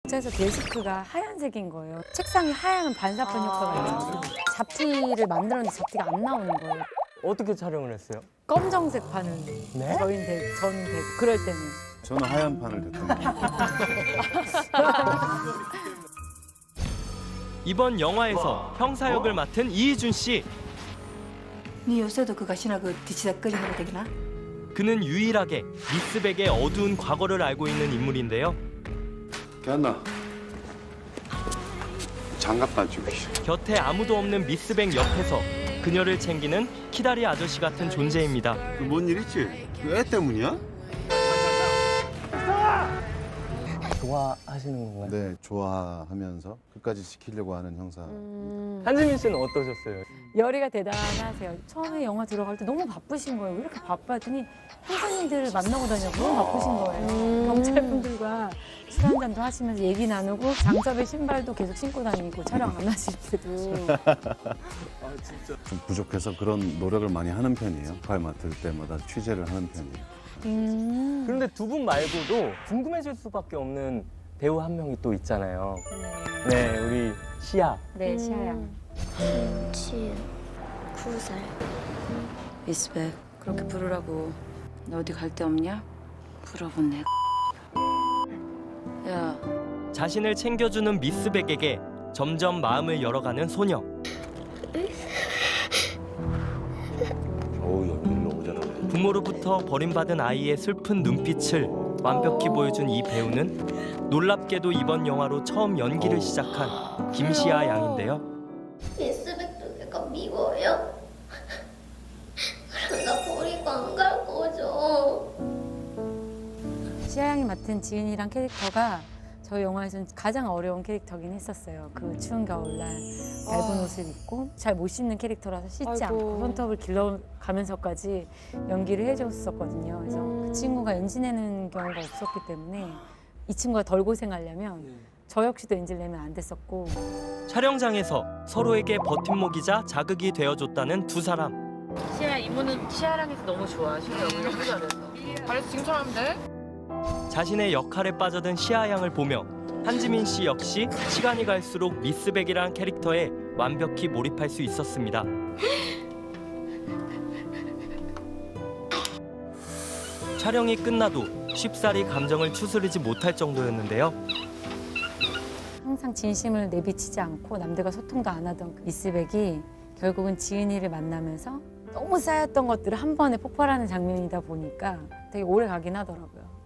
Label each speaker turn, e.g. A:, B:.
A: 그래서 데스크가 하얀색인 거예요. 책상이 하얀 반사판 효과가 있어서 잡티를 만들었는데 잡티가 안 나오는 거예요.
B: 어떻게 촬영을 했어요?
A: 검정색 판을
B: 네?
A: 저는 되고 그럴 때는.
C: 저는 하얀 판을 됐던
D: 이번 영화에서 형사 역을 맡은 이희준 씨.
E: 네 요새도 그 가시나 그 뒤치다거리는 거 되기나?
D: 그는 유일하게 미스백의 어두운 과거를 알고 있는 인물인데요.
C: 걔안나 장갑 가지고
D: 곁에 아무도 없는 미스백 옆에서 그녀를 챙기는 키다리 아저씨 같은 존재입니다.
C: 뭔 일 있지? 애 때문이야?
B: 좋아하시는 건가요?
C: 네, 좋아하면서 끝까지 지키려고 하는 형사.
B: 한지민 씨는 어떠셨어요?
A: 열의가 대단하세요. 처음에 영화 들어갈 때 너무 바쁘신 거예요. 왜 이렇게 바빠 했더니 형사님들을 만나고 다녀서 너무 바쁘신 거예요. 경찰분들과 술 한잔도 하시면서 얘기 나누고 장첩의 신발도 계속 신고 다니고 촬영 안 하실 때도.
C: 좀 부족해서 그런 노력을 많이 하는 편이에요. 역할 맡을 때마다 취재를 하는 편이에요.
B: 그런데 두 분 말고도 궁금해질 수밖에 없는 배우 한 명이 또 있잖아요. 네, 우리 시아.
A: 네, 시아양.
F: 지은 9살.
A: 미스백 그렇게 부르라고. 너 어디 갈 데 없냐? 물어본 내 야,
D: 자신을 챙겨주는 미스백에게 점점 마음을 열어가는 소녀.
C: 연기를 너무 잘하네.
D: 부모로부터 버림받은 아이의 슬픈 눈빛을 완벽히 보여준 이 배우는 놀랍게도 이번 영화로 처음 연기를 시작한 김시아 양인데요.
F: 미스백도 내가 미워요? 그럼 나 버리고 안 갈 거죠?
A: 시아양이 맡은 지은이란 캐릭터가 저희 영화에서는 가장 어려운 캐릭터긴 했었어요. 그 추운 겨울날 얇은 옷을 입고 잘 못 씻는 캐릭터라서 씻지 않고 손톱을 길러가면서까지 연기를 해줬었거든요. 그래서 그 친구가 엔지 내는 경우가 없었기 때문에 이 친구가 덜 고생하려면 저 역시도 엔지를 내면 안 됐었고.
D: 촬영장에서 서로에게 버팀목이자 자극이 되어줬다는 두 사람.
G: 시아 이모는 시아랑에서 너무 좋아. 시아 너무 너무 잘했어. 잘했어 지금처럼 하면 돼?
D: 자신의 역할에 빠져든 시아 양을 보며 한지민 씨 역시 시간이 갈수록 미스백이라는 캐릭터에 완벽히 몰입할 수 있었습니다. 촬영이 끝나도 쉽사리 감정을 추스르지 못할 정도였는데요.
A: 항상 진심을 내비치지 않고 남들과 소통도 안 하던 그 미스백이 결국은 지은이를 만나면서 너무 쌓였던 것들을 한 번에 폭발하는 장면이다 보니까 되게 오래 가긴 하더라고요.